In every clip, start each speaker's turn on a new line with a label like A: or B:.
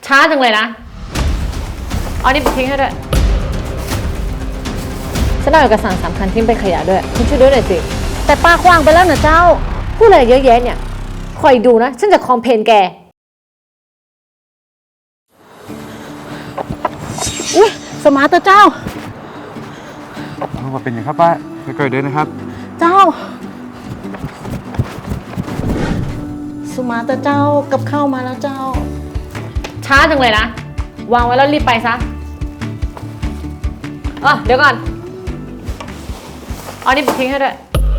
A: ช้าจังเลยนะเอานี่ไปทิ้งให้ด้วยฉันเอาเอกสารสำคัญทิ้งไปขยะด้วยคุณช่วยด้วยหน่อยสิ
B: แต่ป้าขว้างไปแล้วนะเจ้า
A: พูดอะไรเยอะแยะเนี่ยคอยดูนะฉันจะคอมเพลนแก
B: อุ้ยสมาร์ทเจ้า
C: ว่าเป็นยังครับป้าค่อยๆเดินนะครับ
B: เจ้าสมาร์ทเจ้ากับข้าวมาแล้วเจ้า
A: ช้าจังเลยนะวางไว้แล้วรีบไปซะเดี๋ยวก่อนเอานี่ไปทิ้งให้ด้วย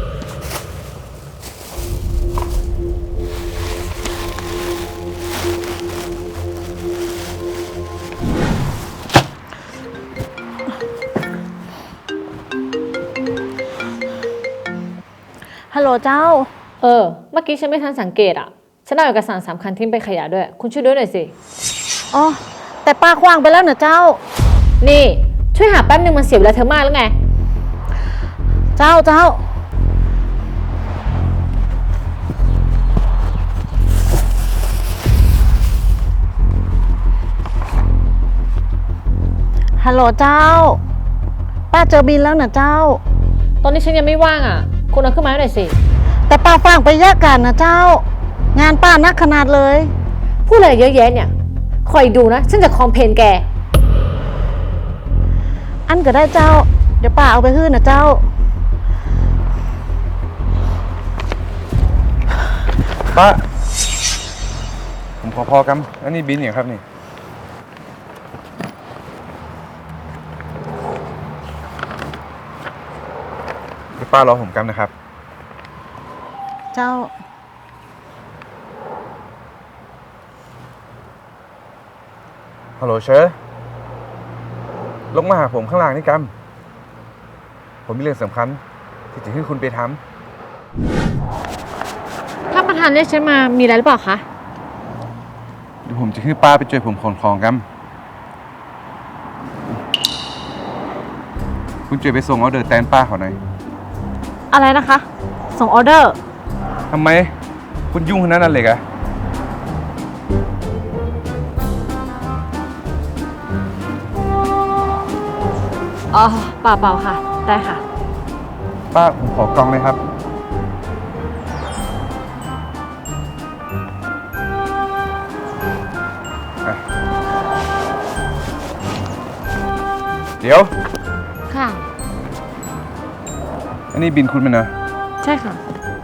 B: ฮัลโหลเจ้า
A: เมื่อกี้ฉันไม่ทันสังเกตฉันเอาเอกสารสำคัญทิ้งไปขยะด้วยคุณช่วยด้วยหน่อยสิ
B: อ๋อแต่ป้าขว้างไปแล้วนะเจ้า
A: นี่ช่วยหาแป๊บนึงมันเสียเวลาเธอมากแล้วไง
B: เจ้าฮัลโหลเจ้าป้าเจอบินแล้วนะเจ้า
A: ตอนนี้ฉันยังไม่ว่างคุณเอาขึ้นมาหน่อยสิ
B: แต่ป้าฟังไปแยกกันนะเจ้างานป้านักขนาดเลย
A: พูดอะไรเยอะแยะเนี่ยคอยดูนะฉันจะคอมเพลนแก
B: อันก็ได้เจ้าเดี๋ยวป้าเอาไปฮื้อนะเจ้า
C: ป้าผมขอพอกันอันนี้บินอย่างครับนี่เดี๋ยวป้ารอผมกันนะครับ
B: เจ้า
C: ฮัลโหลเชอร์ลงมาหาผมข้างล่างนี่กัมผมมีเรื่องสำคัญที่จะให้คุณไปท
A: ำถ้าประธานเรียกฉันมามีอะไรหรือเปล่าคะ
C: เดี๋ยวผมจะให้ป้าไปช่วยผมขนของกัมคุณช่วยไปส่งออเดอร์แตนป้าเขาหน่อย
A: อะไรนะคะส่งออเดอร์
C: ทำไมคุณยุ่งขนาดนั้นเลยกะ
A: เปล่าค่ะได้ค่ะ
C: ป้าผมขอกล่องเลยครับเดี๋ยว
A: ค่ะ
C: อันนี้บินคุณมันนะ
A: ใช่ค่ะ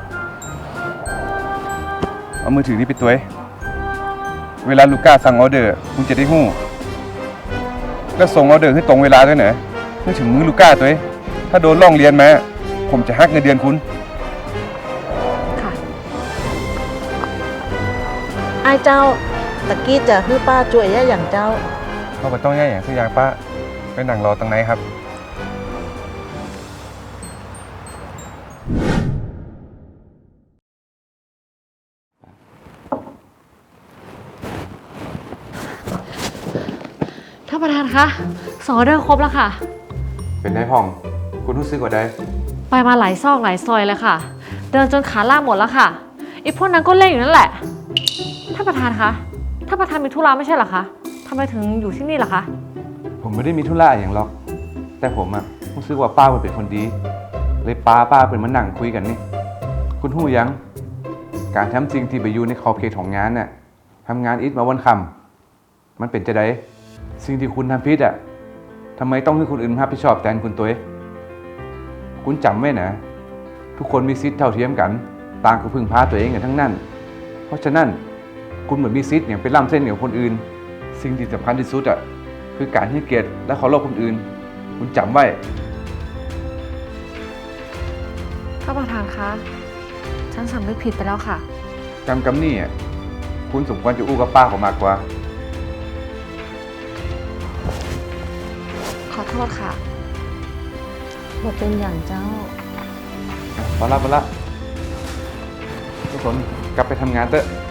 C: เอามือถือนี่ไปตัวเวลาลูก้าสั่งออเดอร์คุณจะได้หู้แล้วส่งออเดอร์ให้ตรงเวลาด้วยเนอะเมื่อถึงมือลูก้าตัวถ้าโดนล่องเรียนมาผมจะหักเงินเดือนคุณ
A: ค่ะ
B: ไอ้เจ้าตะกี้จะให้ป้าช่วยแย่อย่างเจ้า
C: เขาก็ต้องแย่อย่างสักอย่างป้าไปนั่งรอตั้งไหนครับ
A: ท่านประธานคะส่งออเดอร์ครบแล้วค่ะ
C: เป็นไงพ่องคุณรู้สึกว่าได้
A: ไปมาหลายซอกหลายซอยเลยค่ะเดินจนขาล่าหมดแล้วค่ะไอ้พวกนั้นก็เล่นอยู่นั่นแหละท่านประธานคะท่านประธานมีธุระไม่ใช่เหรอคะทำไมถึงอยู่ที่นี่ล่ะคะ
C: ผมไม่ได้มีธุระอย่างหรอกแต่ผมรู้สึกว่าป้าเป็นคนดีเลยป้าเป็นมานั่งคุยกันนี่คุณหู้ยังการทำสิ่งที่ไปอยู่ในขอบเขตของงานน่ะทำงานอิทมาวันคำมันเป็นจะได้สิ่งที่คุณทำผิดทำไมต้องให้คนอื่นรับผิดชอบแทนคุณตัวคุณจำไว้นะทุกคนมีสิทธิ์เท่าเทียมกันต่างก็พึ่งพาตัวเองกันทั้งนั้นเพราะฉะนั้นคุณเหมือนมีสิทธิ์อย่างไปล้ำเส้นกับคนอื่นสิ่งที่สำคัญที่สุดคือการให้เกียรติและเคารพคนอื่นคุณจำไว้
A: ท่านประธานคะฉันสำนึกผิดไปแล้วค่ะ
C: กำนี่คุณสมควรจะอู้กับป้าเขามากกว่า
A: ขอโทษค่ะ
B: บทเป็นอย่างเจ้า
C: พอละทุกคนกลับไปทำงานเถอะ